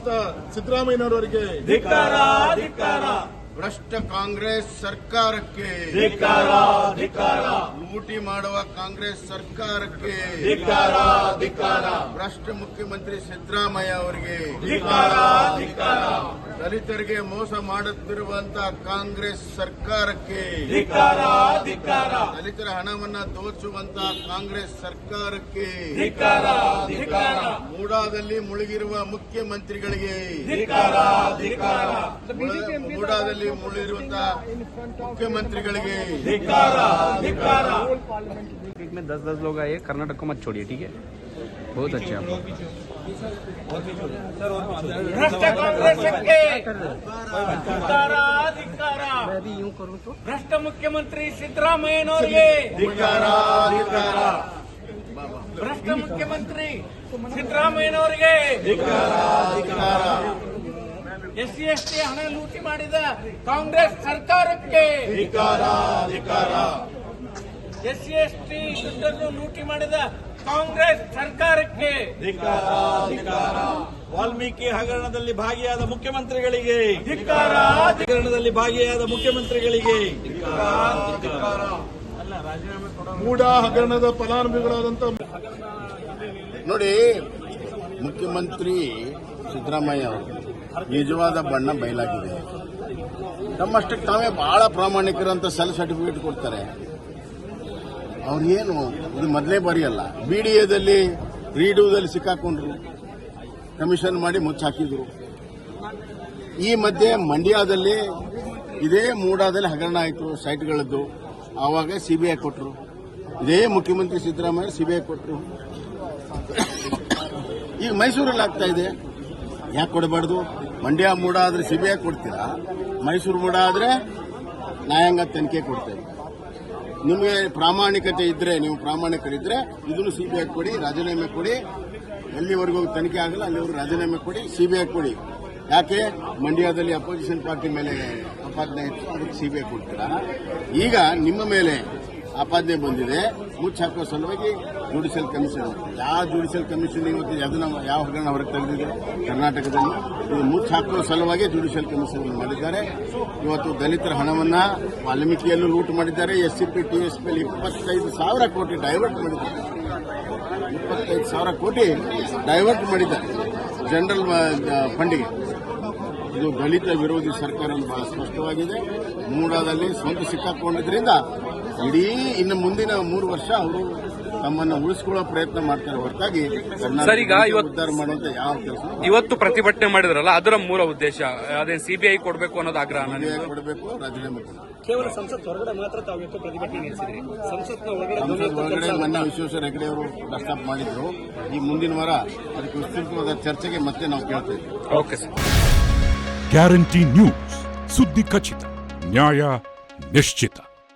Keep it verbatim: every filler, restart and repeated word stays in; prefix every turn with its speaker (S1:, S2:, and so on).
S1: ಮಾಡಿರುವಂತ ಸಿದ್ದರಾಮಯ್ಯನವರಿಗೆ
S2: ಧಿಕ್ಕಾರ ಧಿಕ್ಕಾರ.
S3: ಭ್ರಷ್ಟ ಕಾಂಗ್ರೆಸ್ ಸರ್ಕಾರಕ್ಕೆ
S2: ಧಿಕ್ಕಾರ ಧಿಕ್ಕಾರ.
S3: ಲೂಟಿ ಮಾಡುವ ಕಾಂಗ್ರೆಸ್ ಸರ್ಕಾರಕ್ಕೆ
S2: ಧಿಕ್ಕಾರ ಧಿಕ್ಕಾರ.
S3: ಭ್ರಷ್ಟ ಮುಖ್ಯಮಂತ್ರಿ ಸಿದ್ದರಾಮಯ್ಯ ಅವರಿಗೆ
S2: ಧಿಕ್ಕಾರ ಧಿಕ್ಕಾರ.
S3: ದಲಿತರಿಗೆ ಮೋಸ ಮಾಡುತ್ತಿರುವಂತಹ ಕಾಂಗ್ರೆಸ್ ಸರ್ಕಾರಕ್ಕೆ
S2: ಧಿಕ್ಕಾರ ಧಿಕ್ಕಾರ.
S3: ದಲಿತರ ಹಣವನ್ನ ದೋಚುವಂತಹ ಕಾಂಗ್ರೆಸ್ ಸರ್ಕಾರಕ್ಕೆ
S2: ಧಿಕ್ಕಾರ ಧಿಕ್ಕಾರ.
S3: ಮೂಡಾದಲ್ಲಿ ಮುಳುಗಿರುವ ಮುಖ್ಯಮಂತ್ರಿಗಳಿಗೆ
S2: ಧಿಕ್ಕಾರ ಧಿಕ್ಕಾರ.
S3: ಮೂಡಾದಲ್ಲಿ ಮುಳುಗಿರುವಂತಹ ಮುಖ್ಯಮಂತ್ರಿಗಳಿಗೆ
S2: ಧಿಕ್ಕಾರ ಧಿಕ್ಕಾರ.
S4: में दस दस लोग आए, कर्नाटक को मत छोड़िए, ठीक है? बहुत अच्छे आप
S2: ಭ್ರಷ್ಟ ಕಾಂಗ್ರೆಸ್ಗೆ ಧಿಕ್ಕಾರ ಧಿಕ್ಕಾರ. ಭ್ರಷ್ಟ ಮುಖ್ಯಮಂತ್ರಿ ಸಿದ್ದರಾಮಯ್ಯನವರಿಗೆ
S3: ಧಿಕ್ಕಾರ ಧಿಕ್ಕಾರ.
S2: ಭ್ರಷ್ಟ ಮುಖ್ಯಮಂತ್ರಿ ಸಿದ್ದರಾಮಯ್ಯನವರಿಗೆ
S3: ಧಿಕ್ಕಾರ ಧಿಕ್ಕಾರ.
S2: ಎಸ್ ಸಿ ಎಸ್ ಟಿ ಹಣ ಲೂಟಿ ಮಾಡಿದ ಕಾಂಗ್ರೆಸ್ ಸರ್ಕಾರಕ್ಕೆ
S3: ಧಿಕ್ಕಾರ ಧಿಕ್ಕಾರ.
S2: ಎಸ್ ಸಿ ಎಸ್ ಟಿ ದುಡ್ಡನ್ನು ಲೂಟಿ ಮಾಡಿದ ಕಾಂಗ್ರೆಸ್ ಸರ್ಕಾರಕ್ಕೆ
S5: ಧಿಕ್ಕಾರ ಧಿಕ್ಕಾರ. ವಾಲ್ಮೀಕಿ ಹಗರಣದಲ್ಲಿ ಭಾಗಿಯಾದ ಮುಖ್ಯಮಂತ್ರಿಗಳಿಗೆ
S2: ಧಿಕ್ಕಾರ
S5: ಹಗರಣದಲ್ಲಿ ಭಾಗಿಯಾದ ಮುಖ್ಯಮಂತ್ರಿಗಳಿಗೆ
S1: ಮೂಡಾ ಹಗರಣದ ಫಲಾನುಭವಿಗಳಾದಂತ
S3: ನೋಡಿ, ಮುಖ್ಯಮಂತ್ರಿ ಸಿದ್ದರಾಮಯ್ಯ ಅವರು ನಿಜವಾದ ಬಣ್ಣ ಬಯಲಾಗಿದೆ. ತಮ್ಮಷ್ಟಕ್ಕೆ ತಾವೇ ಬಹಳ ಪ್ರಾಮಾಣಿಕರಂತ ಸೆಲ್ ಸರ್ಟಿಫಿಕೇಟ್ ಕೊಡ್ತಾರೆ. ಅವ್ರು ಏನು ಇದು ಮೊದಲೇ ಬಾರಿ ಅಲ್ಲ. ಬಿಡಿಎದಲ್ಲಿ ರೀಡೂದಲ್ಲಿ ಸಿಕ್ಕಾಕೊಂಡ್ರು, ಕಮಿಷನ್ ಮಾಡಿ ಮುಚ್ಚಾಕಿದ್ರು. ಈ ಮಧ್ಯೆ ಮಂಡ್ಯದಲ್ಲಿ ಇದೇ ಮೂಡಾದಲ್ಲಿ ಹಗರಣ ಆಯಿತು ಸೈಟ್ಗಳದ್ದು. ಆವಾಗ ಸಿಬಿಐ ಕೊಟ್ಟರು. ಇದೇ ಮುಖ್ಯಮಂತ್ರಿ ಸಿದ್ದರಾಮಯ್ಯ ಸಿಬಿಐ ಕೊಟ್ಟರು. ಈಗ ಮೈಸೂರಲ್ಲಿ ಆಗ್ತಾ ಇದೆ. ಯಾಕೆ ಕೊಡಬಾರ್ದು? ಮಂಡ್ಯ ಮೂಡ ಆದ್ರೆ ಸಿಬಿಐ ಕೊಡ್ತೀರಾ, ಮೈಸೂರು ಮೂಡ ಆದ್ರೆ ನ್ಯಾಯಾಂಗ ತನಿಖೆ ಕೊಡ್ತೇವೆ. ನಿಮಗೆ ಪ್ರಾಮಾಣಿಕತೆ ಇದ್ರೆ, ನೀವು ಪ್ರಾಮಾಣಿಕರಿದ್ರೆ ಇದನ್ನು ಸಿಬಿಐ ಕೊಡಿ, ರಾಜೀನಾಮೆ ಕೊಡಿ. ಎಲ್ಲಿವರೆಗೂ ತನಿಖೆ ಆಗಲ್ಲ ಅಲ್ಲಿವರೆಗೂ ರಾಜೀನಾಮೆ ಕೊಡಿ, ಸಿಬಿಐ ಕೊಡಿ. ಯಾಕೆ ಮಂಡ್ಯದಲ್ಲಿ ಅಪೋಸಿಷನ್ ಪಾರ್ಟಿ ಮೇಲೆ ಆಪಾದನೆ ಇತ್ತು, ಅದಕ್ಕೆ ಸಿಬಿಐ ಕೊಡ್ತೀರಾ? ಈಗ ನಿಮ್ಮ ಮೇಲೆ ಆಪಾದನೆ ಬಂದಿದೆ, ಮುಚ್ಚಾಕೋ ಸಲುವಾಗಿ ಜುಡಿಷಿಯಲ್ ಕಮಿಷನ್. ಯಾವ ಜುಡಿಷಿಯಲ್ ಕಮಿಷನ್ ಇವತ್ತು ಅದನ್ನ ಯಾವ ಹಗರಣ ಹೊರಗೆ ತೆಗೆದಿದೆ ಕರ್ನಾಟಕದಲ್ಲಿ? ಇದು ಮುಚ್ಚಾಕೋ ಸಲುವಾಗಿ ಜುಡಿಷಿಯಲ್ ಕಮಿಷನ್ ಮಾಡಿದ್ದಾರೆ. ಇವತ್ತು ದಲಿತರ ಹಣವನ್ನ ವಾಲ್ಮೀಕಿಯಲ್ಲೂ ಲೂಟ್ ಮಾಡಿದ್ದಾರೆ. S C P T S P ಇಪ್ಪತ್ತೈದು ಸಾವಿರ ಕೋಟಿ ಡೈವರ್ಟ್ ಮಾಡಿದ್ದಾರೆ. ಇಪ್ಪತ್ತೈದು ಸಾವಿರ ಕೋಟಿ ಡೈವರ್ಟ್ ಮಾಡಿದ್ದಾರೆ ಜನರಲ್ ಫಂಡಿಗೆ. ಇದು ದಲಿತ ವಿರೋಧಿ ಸರ್ಕಾರ ಬಹಳ ಸ್ಪಷ್ಟವಾಗಿದೆ. ಮೂಡಾದಲ್ಲಿ ಸ್ವಂತ ಸಿಕ್ಕಾಕೊಂಡಿದ್ರಿಂದ ಇಡೀ ಇನ್ನು ಮುಂದಿನ ಮೂರು ವರ್ಷ ಅವರು ತಮ್ಮನ್ನು ಉಳಿಸಿಕೊಳ್ಳೋ ಪ್ರಯತ್ನ ಮಾಡ್ತಾರೆ ಹೊರತಾಗಿ ಕರ್ನಾಟಕ ಉದ್ಧಾರ ಮಾಡುವಂತ ಯಾವ ಕೆಲಸ.
S4: ಇವತ್ತು ಪ್ರತಿಭಟನೆ ಮಾಡಿದ್ರಲ್ಲ, ಅದರ ಮೂಲ ಉದ್ದೇಶ ಅದೇ ಸಿಬಿಐ ಕೊಡಬೇಕು ಅನ್ನೋದು ಆಗ್ರಹ.
S3: ಸಿಬಿಐ ಕೊಡಬೇಕು, ರಾಜೀನಾಮೆ ಕೊಡಬೇಕು.
S4: ಕೇವಲ ಸಂಸತ್ ಹೊರಗಡೆ ಮಾತ್ರ ತಾವು ಪ್ರತಿಭಟನೆ ನಡೆಸಿದ್ರಿ. ಸಂಸತ್ನ
S3: ಹೊರಗಡೆ ಮೊನ್ನೆ ವಿಶ್ವೇಶ್ವರ ಹೆಗಡೆ ಅವರು ಪ್ರಸ್ತಾಪ ಮಾಡಿದ್ರು. ಈ ಮುಂದಿನ ವಾರ ಅದಕ್ಕೆ ವಿಸ್ತೃತವಾದ ಚರ್ಚೆಗೆ ಮತ್ತೆ ನಾವು ಕೇಳ್ತೇವೆ.
S4: Okay sir.
S6: ಗ್ಯಾರಂಟಿ ನ್ಯೂಸ್, ಸುದ್ದಿ ಖಚಿತ, ನ್ಯಾಯ ನಿಶ್ಚಿತ.